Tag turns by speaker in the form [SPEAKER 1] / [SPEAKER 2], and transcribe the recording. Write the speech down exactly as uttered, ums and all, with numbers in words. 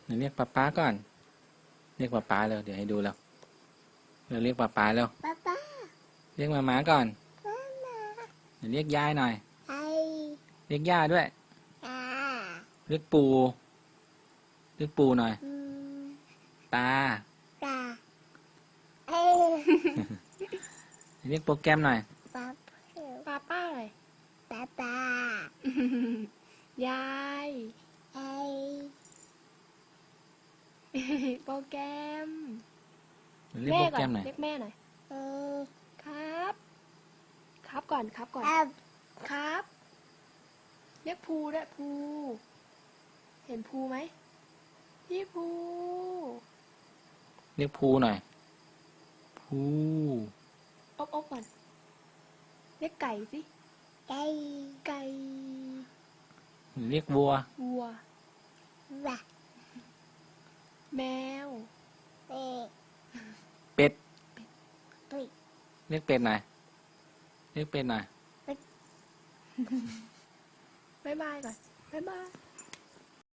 [SPEAKER 1] เดี๋ยวเรียกป๊าป๊าก่อนเรียกป๊าป๊าเร็วเดี๋ยวให้ดูแล้วเราเรียกป๊าป๊าเร็ว
[SPEAKER 2] ป๊าป๊า
[SPEAKER 1] เรียกมาม้าก่อน
[SPEAKER 2] มามา
[SPEAKER 1] เดี๋ยวเรียกยายหน่อย
[SPEAKER 2] ไอ
[SPEAKER 1] เรียกย่าด้วย
[SPEAKER 2] ตา
[SPEAKER 1] เรียกปู่เรียกปู่หน่อย
[SPEAKER 2] อืม
[SPEAKER 1] ตา
[SPEAKER 2] ตาเอ
[SPEAKER 1] เรียกโปรแกรมหน่อย
[SPEAKER 2] ป๊า
[SPEAKER 3] ป้าป้าเลย
[SPEAKER 2] ป๊าป๊าย
[SPEAKER 3] าย
[SPEAKER 2] ไอ
[SPEAKER 3] โปรแกรม
[SPEAKER 1] เรียก
[SPEAKER 3] แม่
[SPEAKER 1] โปร
[SPEAKER 3] ก่
[SPEAKER 1] แก
[SPEAKER 3] อ
[SPEAKER 1] ร
[SPEAKER 3] น
[SPEAKER 1] มหน่อย
[SPEAKER 3] เรียกแม่หน่อย
[SPEAKER 2] เออ
[SPEAKER 3] ครับ ครับก่อนครับก่อน
[SPEAKER 2] อับ
[SPEAKER 3] ครับ เรียกภูด้วยภูเห็นภูไหมพี่ภู
[SPEAKER 1] เรียกภูหน่อยภู
[SPEAKER 3] อบอบก่อนเรียกไก่สิ
[SPEAKER 2] ไก่
[SPEAKER 3] ไก่
[SPEAKER 1] เรียกวัว
[SPEAKER 3] วัว
[SPEAKER 2] บะ
[SPEAKER 3] แมว
[SPEAKER 2] เอ
[SPEAKER 1] เป็ด
[SPEAKER 2] ตุย
[SPEAKER 1] เรียกเป็ดหน่อยเรียกเป็ดหน่อย
[SPEAKER 3] บ๊ายบายก่อนบ๊ายบาย